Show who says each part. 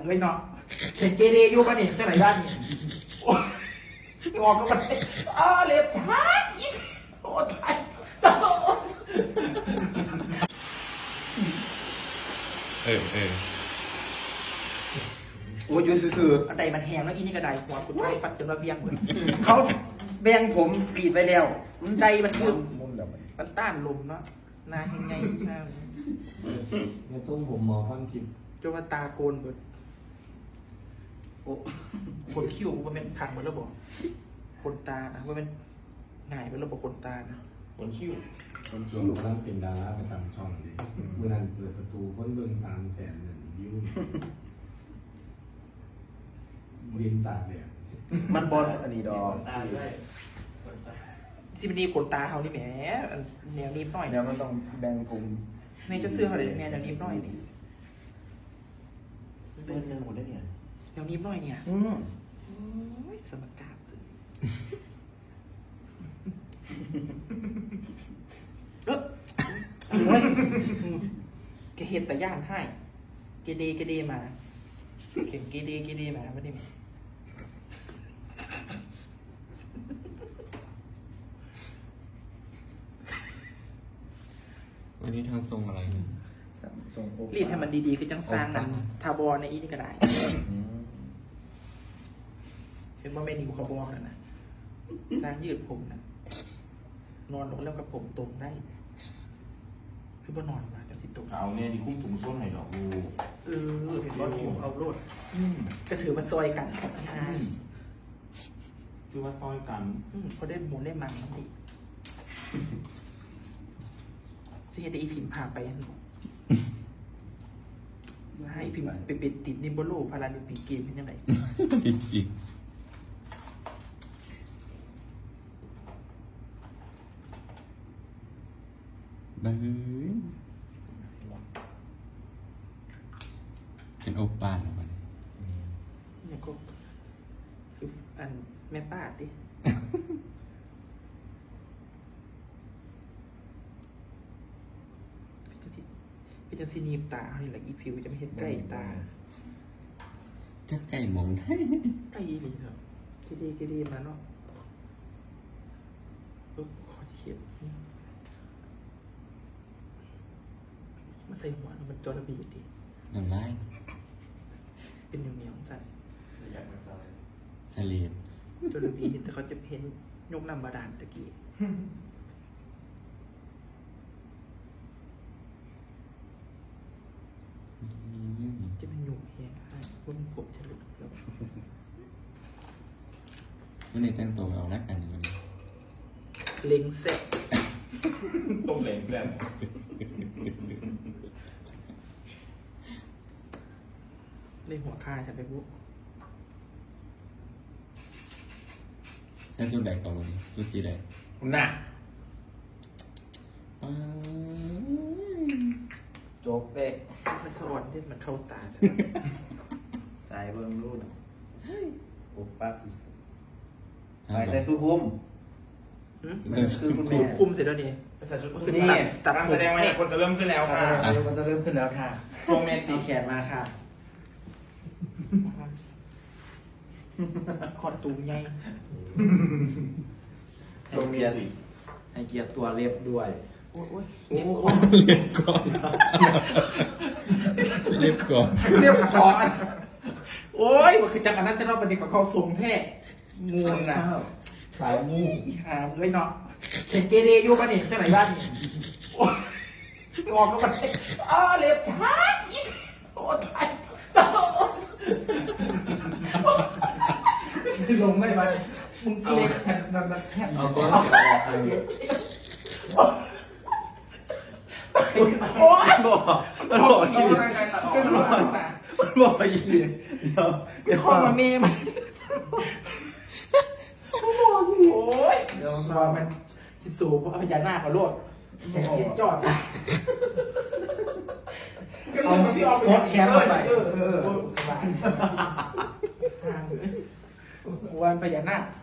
Speaker 1: เลยเนาะเห็นเกเรอยู่ปะนี่เจ้าไหนบ้านนี่งอกก็มันเล็บช้าโอ้ตาย
Speaker 2: โอ้ยยืนซื่อ
Speaker 1: อันใดมันแหงแล้วอีนี่กระไดหัวคุณไอ้ฟัดจนระเบียงเหมือน
Speaker 2: ๆเขาแบ่งผมกรีดไปแล้ว
Speaker 1: มันใดมันคือ
Speaker 2: มุนแล้ว
Speaker 1: มันต้านลมเนาะนาเห็นไงนา
Speaker 3: เนี่ยทรงผมหมอพันทิพย์
Speaker 1: จนว่าตาโกนเบิดโอ้คนคิ้วมันเป็นพังมันแล้วบอกคนตานะว่าเป็นง่ายมันแล้วบอกคนตานะ
Speaker 3: คนคิ้วช่วงกำลังเป็นดาราประจำช่องเลยเมื่อนั้นเปิดประตูคนเบิ่ง300,000วิวดินตากเนี่ย
Speaker 2: มันบอลอันนี้ดอก
Speaker 1: ที่มันดีขนตาเขานี่แหมแนวนี้หน่อย
Speaker 2: เดี๋ยวมันต้องแบ่งผม
Speaker 1: ในจะเสื้อเขาเลยแนวนี้หน่อยนี่
Speaker 2: เบิ้ลนึงหมดแล้วเนี่ย
Speaker 1: แนวนี้หน่อยเนี่ยโอ้ยสมการสื่อโอ้ยแกเห็นแต่ย่านให้เกเดมาเข็มเกเดมาไม่ได้มา
Speaker 4: วันนี้ทางทรงอะไรเนี่ย
Speaker 2: ส่งโอ้
Speaker 1: รีดให้มันดีๆคือจังสร้างนั่นทาบอในอีนี่ก็ได้เห็นว่าเมนูเขาบอกกันนะสร้างยืดผมนะนอนลงแล้วกับผมตรงได้คือว่านอนมาจังสิตรง
Speaker 5: เอาเนี่ยนี่คุ้มถุงส้นไหนดอกดู
Speaker 1: เห็นว่าผมเอาโลดก็ถือมาซอยกันของงาน
Speaker 5: คือว่าซอยกัน
Speaker 1: เขาได้หมูได้มังนั่นเองจะเห็นแต่อีพิมพ์พาไปให้พิมพ์ไปปิดติดนิมโบโลพาราลิมปิกเกมเป็นยังไง
Speaker 4: อีกบ้าเป็นโอป้าแล้วกัน
Speaker 1: เนี่ยก็คืออันแม่ป้าติพี่จะซีนีบตาอะไรอีฟิวจะไม่เห็นใกล้ตา
Speaker 4: จะไก่มองได้
Speaker 1: ใกล้เลยครับเกดีมาเนาะขอที่เขียนมาใส่หัวมันจอระเบียดดิ
Speaker 4: น้ำลาย
Speaker 1: เป็นเหนียวๆใส่
Speaker 4: สลีด
Speaker 1: จอระเบียดแต่เขาจะเห็นยกนำบาดาลตะกี้จะเป็นหนุ่มแหงให้คนผมจะหลุดแล้ว
Speaker 4: วันนี้แต่งตัวเอาละกันอยู่วันนี้
Speaker 1: เล็งเสร็จ
Speaker 5: ต้มเหลงเพื่อน
Speaker 1: เล็งหัวคายใช่ไหมบุ๊
Speaker 4: แต่สุดแดกก่อนวันนี้สุดสีแดง
Speaker 2: น่ะ
Speaker 4: อ้าว
Speaker 2: จบเป๊ะ
Speaker 1: มันสวรรค์เนี่ยมันเข้าตาใช่
Speaker 2: สายเบิ้งรู้นะโอ้ป้าสุดไปใส่สูทคุมคือคุณ
Speaker 1: ดู
Speaker 2: แม่
Speaker 1: คุ้มเสร็จแล้วนี่
Speaker 5: ภาษาชุด
Speaker 2: นี่
Speaker 1: ตัด
Speaker 5: การแสดงมาเนี่ยคนจะเริ่มขึ้นแล้วค่ะ
Speaker 2: มันจะเริ่มขึ้นแล้วค่ะ
Speaker 5: ตรงเมจิ
Speaker 2: เอาแขนมาค่ะ
Speaker 1: คอดตูมใหญ่
Speaker 5: ตรงเมจิ
Speaker 2: ให้เกียรติตัวเล็บด้วย
Speaker 1: โอ้ย
Speaker 4: เรียบก่อนเรียบก่อนเรียบก่อน
Speaker 1: เรียบคอโอ้ยมันคือจังอันนั้นจะรอบประเด็นกับเขาทรงแท้งูนะ
Speaker 2: สายมู
Speaker 1: อีหามเลยเนาะเห็นเกเรอยู่ปะนี่เจ้าไหนบ้านนี่โอ้ยงอกก็มันเล็บช้าโอ้ตายลงได้ไหมมึงเล็กฉันนั่นแทบ
Speaker 3: เอาก้อน
Speaker 1: โอ้ย
Speaker 2: มันบอกอีก
Speaker 1: เป็นหลอดนะ
Speaker 2: มันบอกอีกเดี๋ยว
Speaker 1: ข้อมาเมย์มันโอ้ยเดี๋ยวมันที่สูบพญานาคมาโลดแกคิดจอดเอาพี่ออกไปแขนไปสบายวันพญานาค